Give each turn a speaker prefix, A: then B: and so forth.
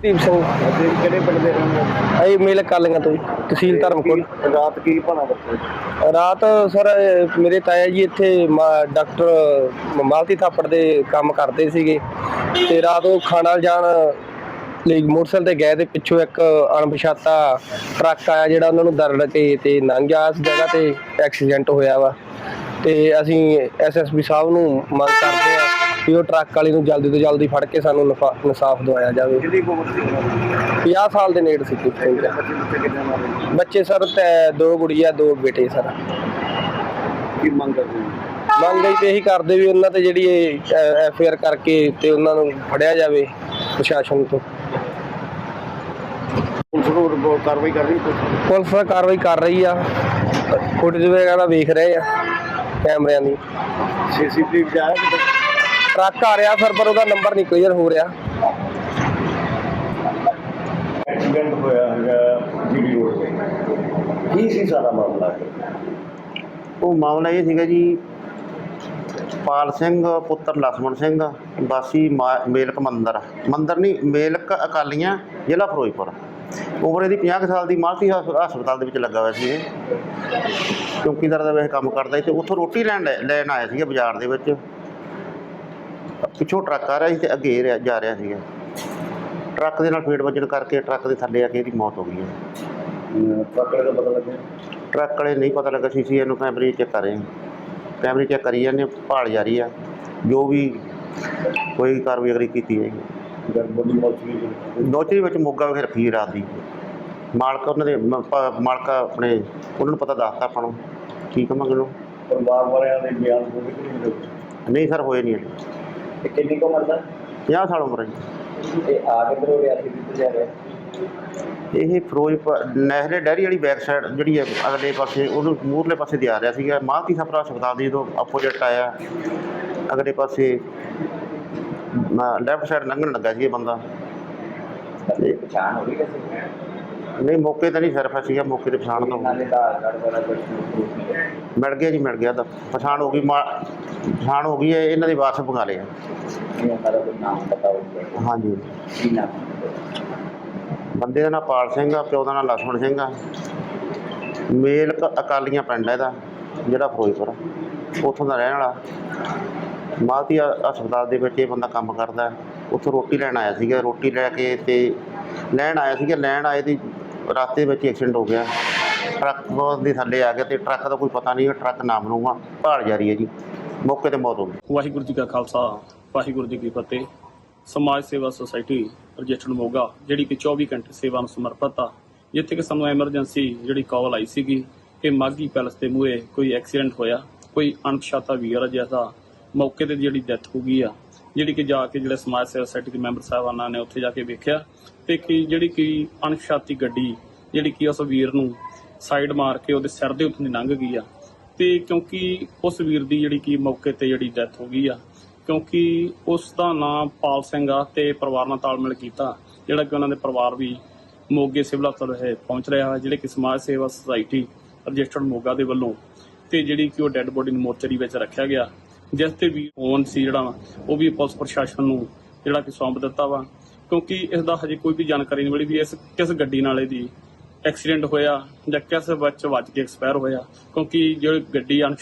A: ਦੀਪ ਸਿੰਘ
B: ਕਿਹੜੇ ਪਿੰਡ ਦੇ ਰਹਿੰਦੇ ਹੋ?
A: ਅਸੀਂ ਮੇਲ ਕਾਲੀਆਂ ਤੋਂ ਜੀ, ਤਹਿਸੀਲ ਧਰਮਕੋਟ।
B: ਰਾਤ ਕੀ ਭਣਾ ਬੱਚੇ?
A: ਰਾਤ ਸਰ ਮੇਰੇ ਤਾਇਆ ਜੀ ਇੱਥੇ ਡਾਕਟਰ ਮਾਲਤੀ ਥਾਪੜ ਦੇ ਕੰਮ ਕਰਦੇ ਸੀਗੇ ਤੇ ਰਾਤ ਉਹ ਖਾਣਾ ਜਾਣ ਲਈ ਮੋਟਰਸਾਈਕਲ ਤੇ ਗਏ ਤੇ ਪਿੱਛੋਂ ਇੱਕ ਅਣਪਛਾਤਾ ਟਰੱਕ ਆਇਆ ਜਿਹੜਾ ਉਹਨਾਂ ਨੂੰ ਦਰੜ ਕੇ ਤੇ ਲੰਘ ਗਿਆ। ਇਸ ਜਗ੍ਹਾ ਤੇ ਐਕਸੀਡੈਂਟ ਹੋਇਆ ਵਾ ਤੇ ਅਸੀਂ ਐਸਐਸਪੀ ਸਾਹਿਬ ਨੂੰ ਮੰਗ ਕਰਦੇ ਆ ਕਿ ਉਹ ਟਰੱਕ ਵਾਲੇ ਨੂੰ ਜਲਦੀ ਤੋਂ ਜਲਦੀ ਫੜ ਕੇ ਸਾਨੂੰ ਇਨਸਾਫ ਦਿਵਾਇਆ ਜਾਵੇ।
B: ਕਿੰਨੀ ਉਮਰ ਸੀ?
A: 50 ਸਾਲ ਦੇ ਨੇੜੇ ਸੀ। ਬੱਚੇ ਸਰ ਤੇ 2 ਗੁੜੀਆ 2 ਬੇਟੇ ਸਰ।
B: ਕੀ ਮੰਗ ਕਰਦੇ ਹੋ?
A: ਮੰਗ ਤੇ ਇਹੀ ਕਰਦੇ ਵੀ ਉਹਨਾਂ ਤੇ ਜਿਹੜੀ ਐਫਆਈਆਰ ਕਰਕੇ ਤੇ ਉਹਨਾਂ ਨੂੰ ਫੜਿਆ ਜਾਵੇ ਪ੍ਰਸ਼ਾਸਨ ਤੋਂ।
B: ਪੁਲਿਸ ਕਾਰਵਾਈ ਕਰ ਰਹੀ ਹੈ?
A: ਪੁਲਿਸ ਕਾਰਵਾਈ ਕਰ ਰਹੀ ਆ, ਫੁਟੇਜ ਵਗੈਰਾ ਵੇਖ ਰਹੇ ਆ ਕੈਮਰਿਆਂ ਦੀ।
B: ਸੀਸੀਟੀਵੀ ਚ ਆਇਆ ਕਿ
A: ਟਰੱਕ ਆ ਰਿਹਾ ਸਰ ਪਰ ਉਹਦਾ ਨੰਬਰ ਨਹੀਂ ਕਲੀਅਰ ਹੋ ਰਿਹਾ।
B: ਐਕਸੀਡੈਂਟ ਹੋਇਆ ਹੈਗਾ ਜੀਡੀ ਰੋਡ ਤੇ, ਕੀ ਸੀ ਸਾਰਾ ਮਾਮਲਾ?
C: ਉਹ ਮਾਮਲਾ ਇਹ ਸੀਗਾ ਜੀ, ਪਾਲ ਸਿੰਘ ਪੁੱਤਰ ਲਖਮਣ ਸਿੰਘ ਵਾਸੀ ਮੇਲਕ ਮੰਦਰ ਨਹੀਂ ਮੇਲਕ ਅਕਾਲੀਆਂ, ਜ਼ਿਲ੍ਹਾ ਫਿਰੋਜ਼ਪੁਰ। ਉਮਰ ਇਹਦੀ 50 ਸਾਲ ਦੀ। ਮਾਲਤੀ ਹਸਪਤਾਲ ਦੇ ਵਿੱਚ ਲੱਗਾ ਹੋਇਆ ਸੀ। ਇਹ ਚੌਕੀਦਾਰ ਦਾ ਵੈਸੇ ਕੰਮ ਕਰਦਾ ਸੀ ਤੇ ਉੱਥੋਂ ਰੋਟੀ ਲੈਣ ਆਇਆ ਸੀਗਾ ਬਾਜ਼ਾਰ ਦੇ ਵਿੱਚ। ਪਿੱਛੋਂ ਟਰੱਕ ਆ ਰਿਹਾ ਸੀ ਤੇ ਅੱਗੇ ਜਾ ਰਿਹਾ ਸੀਗਾ। ਟਰੱਕ ਦੇ ਨਾਲ ਫੇਟ ਵੱਜਣ ਕਰਕੇ ਟਰੱਕ ਦੇ ਥੱਲੇ ਆ ਕੇ ਇਹਦੀ ਮੌਤ ਹੋ ਗਈ ਹੈ।
B: ਟਰੱਕ ਵਾਲੇ ਦਾ ਪਤਾ ਲੱਗਿਆ?
C: ਟਰੱਕ ਵਾਲੇ ਨਹੀਂ ਪਤਾ ਲੱਗਾ। ਸੀ ਇਹਨੂੰ ਕੈਮਰੇ ਚੈੱਕ ਕਰ ਰਹੇ, ਕੈਮਰੇ ਚੈੱਕ ਕਰੀ ਜਾਂਦੇ, ਭਾਲ ਜਾਰੀ ਆ। ਜੋ ਵੀ ਕੋਈ ਕਾਰਵਾਈ ਅਗਲੀ ਕੀਤੀ ਜਾਏਗੀ। ਨੌਚਰੀ ਵਿੱਚ ਮੋਗਾ ਵਿਖੇ ਰੱਖੀ ਰਾਤ ਦੀ। ਮਾਲਕ ਉਹਨਾਂ ਦੇ ਮਾਲਕ ਆਪਣੇ ਉਹਨਾਂ ਨੂੰ ਪਤਾ ਦੱਸਤਾ ਆਪਾਂ ਨੂੰ। ਕੀ ਕਹਾਂਗੇ ਉਹਨੂੰ?
B: ਪਰਿਵਾਰ ਵਾਲਿਆਂ ਦੇ ਬਿਆਨ
C: ਨਹੀਂ ਸਰ, ਹੋਏ ਨਹੀਂ।
B: ਤੇ ਕਿੰਨੀ ਕੁ ਉਮਰ ਦਾ?
C: 50 ਸਾਲ ਉਮਰ ਹੈ ਜੀ।
B: ਤੇ ਆ ਕਿੱਧਰੋਂ ਰਿਆਸੀ ਕਿੱਥੇ ਜਾ ਰਿਹਾ?
C: ਇਹ ਫਿਰੋਜ਼ਪੁਰ ਨਹਿਰੇ ਡੈਰੀ ਵਾਲੀ ਬੈਕ ਸਾਈਡ ਜਿਹੜੀ ਹੈ ਅਗਲੇ ਪਾਸੇ, ਉਹਨੂੰ ਮੂਹਰਲੇ ਪਾਸੇ ਦੀ ਆ ਰਿਹਾ ਸੀਗਾ। ਮਾਲਤੀ ਥਾਪੜ ਹਸਪਤਾਲ ਦੀ ਜਦੋਂ ਆਪੋਜਿਟ ਆਇਆ ਅਗਲੇ ਪਾਸੇ ਲੈਫਟ ਸਾਈਡ ਲੰਘਣ ਲੱਗਾ ਸੀ ਇਹ ਬੰਦਾ।
B: ਤੇ ਪਛਾਣ ਹੋ ਗਈ ਕਿਸੇ?
C: ਨਹੀਂ, ਮੌਕੇ ਤੇ ਨਹੀਂ ਸਿਰਫ ਸੀਗਾ, ਮੌਕੇ ਤੇ ਪਛਾਣ ਤੋਂ ਮਿਲ ਗਿਆ ਜੀ, ਮਿਲ ਗਿਆ ਤਾਂ ਪਛਾਣ ਹੋ ਗਈ। ਪਛਾਣ ਹੋ ਗਈ ਹੈ, ਇਹਨਾਂ ਦੇ ਵਾਰਸ ਬੰਗਾਲੇ ਆ। ਹਾਂਜੀ। ਬੰਦੇ ਦਾ ਨਾਂ ਪਾਲ ਸਿੰਘ ਆ, ਪਿਓ ਦਾ ਨਾਂ ਲਖਮਣ ਸਿੰਘ ਆ। ਮੇਲਕ ਅਕਾਲੀਆਂ ਪਿੰਡ ਹੈ ਇਹਦਾ, ਜਿਹੜਾ ਫਿਰੋਜ਼ਪੁਰ ਉੱਥੋਂ ਦਾ ਰਹਿਣ ਵਾਲਾ। ਮਾਲਤੀ ਹਸਪਤਾਲ ਦੇ ਵਿੱਚ ਇਹ ਬੰਦਾ ਕੰਮ ਕਰਦਾ। ਉੱਥੋਂ ਰੋਟੀ ਲੈਣ ਆਇਆ ਸੀਗਾ। ਰੋਟੀ ਲੈ ਕੇ ਤੇ ਲੈਣ ਆਏ ਦੀ ਰਸਤੇ ਵਿੱਚ ਐਕਸੀਡੈਂਟ ਹੋ ਗਿਆ। ਟਰੱਕ ਦੇ ਥੱਲੇ ਆ ਗਿਆ ਤੇ ਟਰੱਕ ਦਾ ਕੋਈ ਪਤਾ ਨਹੀਂ, ਟਰੱਕ ਨਾਮ ਨੂੰ ਆ। ਭਾਲ ਜਾਰੀ ਹੈ ਜੀ। ਮੌਕੇ ਤੇ ਮੌਤ ਹੋ ਗਈ।
D: ਵਾਹਿਗੁਰੂ ਜੀ ਕਾ ਖਾਲਸਾ, ਵਾਹਿਗੁਰੂ ਜੀ ਕੀ ਫਤਿਹ। ਸਮਾਜ ਸੇਵਾ ਸੁਸਾਇਟੀ ਰਜਿਸਟਰਡ ਮੋਗਾ, ਜਿਹੜੀ ਕਿ 24 ਘੰਟੇ ਸੇਵਾ ਨੂੰ ਸਮਰਪਿਤ ਆ, ਜਿੱਥੇ ਕਿ ਸਾਨੂੰ ਐਮਰਜੈਂਸੀ ਜਿਹੜੀ ਕਾਲ ਆਈ ਸੀਗੀ ਕਿ ਮਾਘੀ ਪੈਲਸ ਦੇ ਮੂਹਰੇ ਕੋਈ ਐਕਸੀਡੈਂਟ ਹੋਇਆ। ਕੋਈ ਅਣਪਛਾਤਾ ਵੀਰ ਜਿਹਦਾ ਮੌਕੇ ਤੇ ਜਿਹੜੀ ਡੈਥ ਹੋ ਗਈ ਆ, ਜਿਹੜੀ ਕਿ ਜਾ ਕੇ ਜਿਹੜੇ ਸਮਾਜ ਸੇਵਾ ਸੁਸਾਇਟੀ ਦੇ ਮੈਂਬਰ ਸਾਹਿਬਾਨਾਂ ਨੇ ਉੱਥੇ ਜਾ ਕੇ ਵੇਖਿਆ ਤੇ ਕਿ ਜਿਹੜੀ ਕਿ ਅਣਪਛਾਤੀ ਗੱਡੀ ਜਿਹੜੀ ਕਿ ਉਸ ਵੀਰ ਨੂੰ ਸਾਈਡ ਮਾਰ ਕੇ ਉਹਦੇ ਸਿਰ ਦੇ ਉੱਤੋਂ ਦੀ ਲੰਘ ਗਈ ਆ। ਤੇ ਕਿਉਂਕਿ ਉਸ ਵੀਰ ਦੀ ਜਿਹੜੀ ਕਿ ਮੌਕੇ ਤੇ ਜਿਹੜੀ ਡੈਥ ਹੋ ਗਈ ਆ, ਕਿਉਂਕਿ ਉਸ ਦਾ ਨਾਮ ਪਾਲ ਸਿੰਘ ਆ ਤੇ ਪਰਿਵਾਰ ਨਾਲ ਤਾਲਮੇਲ ਕੀਤਾ, ਜਿਹੜਾ ਕਿ ਉਹਨਾਂ ਦੇ ਪਰਿਵਾਰ ਵੀ ਮੋਗੇ ਸਿਵਲ ਹਸਪਤਾਲ ਪਹੁੰਚ ਰਿਹਾ ਹੈ, ਜਿਹੜੇ ਕਿ ਸਮਾਜ ਸੇਵਾ ਸੁਸਾਇਟੀ ਰਜਿਸਟਰਡ ਮੋਗਾ ਦੇ ਵੱਲੋਂ। ਤੇ ਜਿਹੜੀ ਕਿ ਉਹ ਡੈੱਡ ਬੋਡੀ ਨੂੰ ਮੋਰਚਰੀ ਵਿੱਚ ਰੱਖਿਆ ਗਿਆ, ਜਿਸ ਤੇ ਵੀ ਫੋਨ ਸੀ ਜਿਹੜਾ ਉਹ ਵੀ ਪੁਲਿਸ ਪ੍ਰਸ਼ਾਸਨ ਨੂੰ ਜਿਹੜਾ ਕਿ ਸੌਂਪ ਦਿੱਤਾ ਵਾ। ਕਿਉਂਕਿ ਇਸ ਦਾ ਹਜੇ ਕੋਈ ਵੀ ਜਾਣਕਾਰੀ ਨਹੀਂ ਮਿਲੀ ਵੀ ਇਸ ਕਿਸ ਗੱਡੀ ਨਾਲ ਇਹਦੀ ਐਕਸੀਡੈਂਟ ਹੋਇਆ ਜਾਂ ਕਿਸ ਵਿੱਚ ਵੱਜ ਕੇ ਐਕਸਪਾਇਰ ਹੋਇਆ। ਕਿਉਂਕਿ ਜਿਹੜੀ ਗੱਡੀ